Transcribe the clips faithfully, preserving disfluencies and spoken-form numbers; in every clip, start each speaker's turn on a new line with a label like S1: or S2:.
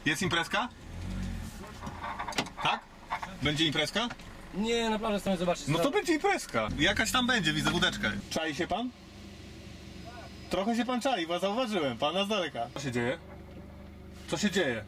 S1: Jest imprezka? Tak? Będzie imprezka?
S2: Nie, na plaży chcemy zobaczyć.
S1: No to będzie imprezka. Jakaś tam będzie, widzę wódeczkę. Czai się pan? Trochę się pan czai, bo zauważyłem pana z daleka. Co się dzieje? Co się dzieje?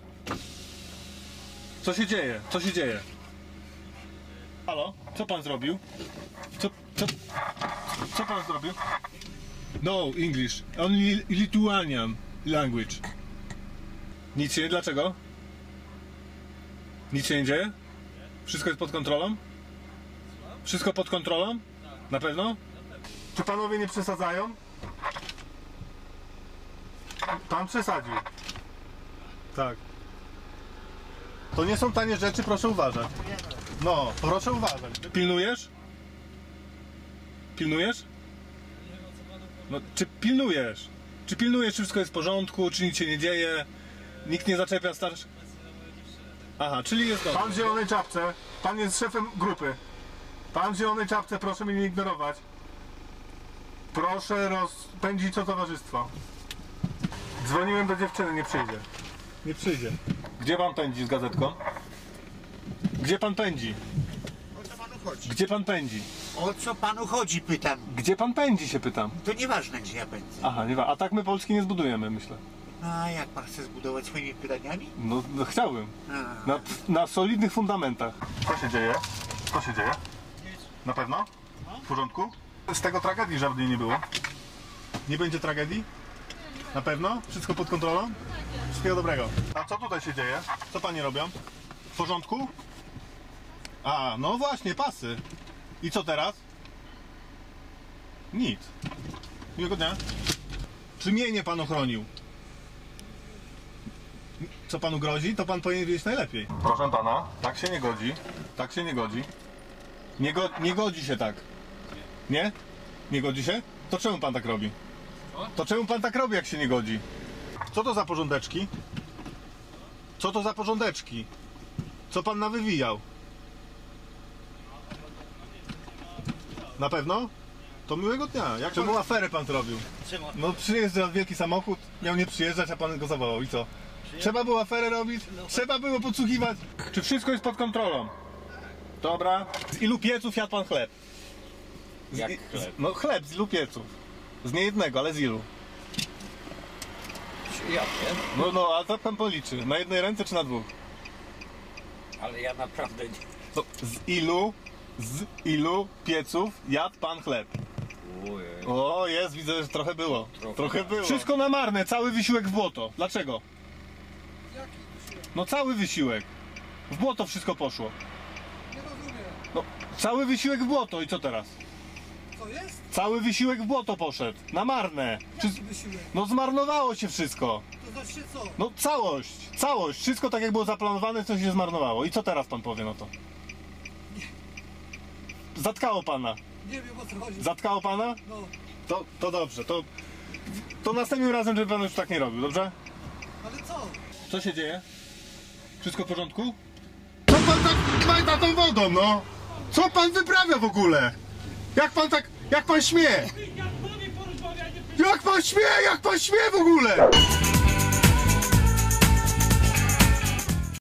S1: Co się dzieje? Co się dzieje? Halo? Co pan zrobił? Co, co, co pan zrobił? No, English. Only Lithuanian language. Nic się nie... Dlaczego? Nic się nie dzieje? Wszystko jest pod kontrolą? Wszystko pod kontrolą? Na pewno? Czy panowie nie przesadzają? Pan przesadził. Tak. To nie są tanie rzeczy, proszę uważać. No, proszę uważać. Pilnujesz? Pilnujesz? No, czy pilnujesz? Czy pilnujesz, czy wszystko jest w porządku, czy nic się nie dzieje? Nikt nie zaczepia starszych? Aha, czyli jest dobrze. Pan w zielonej czapce, pan jest szefem grupy. Pan w zielonej czapce, proszę mnie nie ignorować. Proszę rozpędzić to towarzystwo. Dzwoniłem do dziewczyny, nie przyjdzie. Nie przyjdzie. Gdzie pan pędzi z gazetką? Gdzie pan pędzi?
S3: O co panu chodzi?
S1: Gdzie pan pędzi?
S3: O co panu chodzi, pytam.
S1: Gdzie pan pędzi, się pytam.
S3: To nieważne, gdzie ja pędzę.
S1: Aha, nie wa- a tak my Polski nie zbudujemy, myślę.
S3: A jak pan chce zbudować swoimi pytaniami?
S1: No, no chciałbym.
S3: A.
S1: Na, na solidnych fundamentach. Co się dzieje? Co się dzieje? Na pewno? W porządku? Z tego tragedii żadnej nie było. Nie będzie tragedii? Na pewno? Wszystko pod kontrolą? Wszystkiego dobrego. A co tutaj się dzieje? Co panie robią? W porządku? A, no właśnie, pasy. I co teraz? Nic. Miłego dnia. Czy mienie pan ochronił? Co panu grozi, to pan powinien wiedzieć najlepiej. Proszę pana, tak się nie godzi. Tak się nie godzi. Nie, go, nie godzi się tak. Nie? Nie godzi się? To czemu pan tak robi? To czemu pan tak robi, jak się nie godzi? Co to za porządeczki? Co to za porządeczki? Co pan nawywijał? Na pewno? To miłego dnia. Jak czemu aferę pan zrobił? No przyjeżdża wielki samochód, miał nie przyjeżdżać, a pan go zawołał i co? Trzeba było aferę robić? Trzeba było podsłuchiwać? Czy wszystko jest pod kontrolą? Dobra. Z ilu pieców jadł pan chleb? Z,
S2: Jak
S1: i-
S2: chleb?
S1: Z, no chleb z ilu pieców? Z niejednego, ale z ilu?
S2: Ja wiem,
S1: No, no, a to pan policzy. Na jednej ręce czy na dwóch?
S2: ale ja naprawdę nie...
S1: No, z ilu, z ilu pieców jadł pan chleb?
S2: Ojej.
S1: O, jest, widzę, że trochę było.
S2: Trochę.
S1: Trochę było. Wszystko na marne, cały wysiłek w błoto. Dlaczego? No cały wysiłek. W błoto wszystko poszło.
S4: Nie rozumiem.
S1: No, cały wysiłek w błoto i co teraz?
S4: Co jest?
S1: Cały wysiłek w błoto poszedł. Na marne. Czy...
S4: Jaki wysiłek?
S1: No zmarnowało się wszystko.
S4: To znaczy co?
S1: No całość, całość. Wszystko tak jak było zaplanowane, co się zmarnowało. I co teraz pan powie na to? Zatkało pana.
S4: Nie wiem, o co chodzi.
S1: Zatkało pana?
S4: No,
S1: To, to dobrze, to, to następnym razem, żeby pan już tak nie robił, dobrze?
S4: ale co?
S1: Co się dzieje? Wszystko w porządku? Co pan tak majta tą wodą, no? Co pan wyprawia w ogóle? Jak pan tak, jak pan śmie? Jak pan śmie, jak pan śmie w ogóle?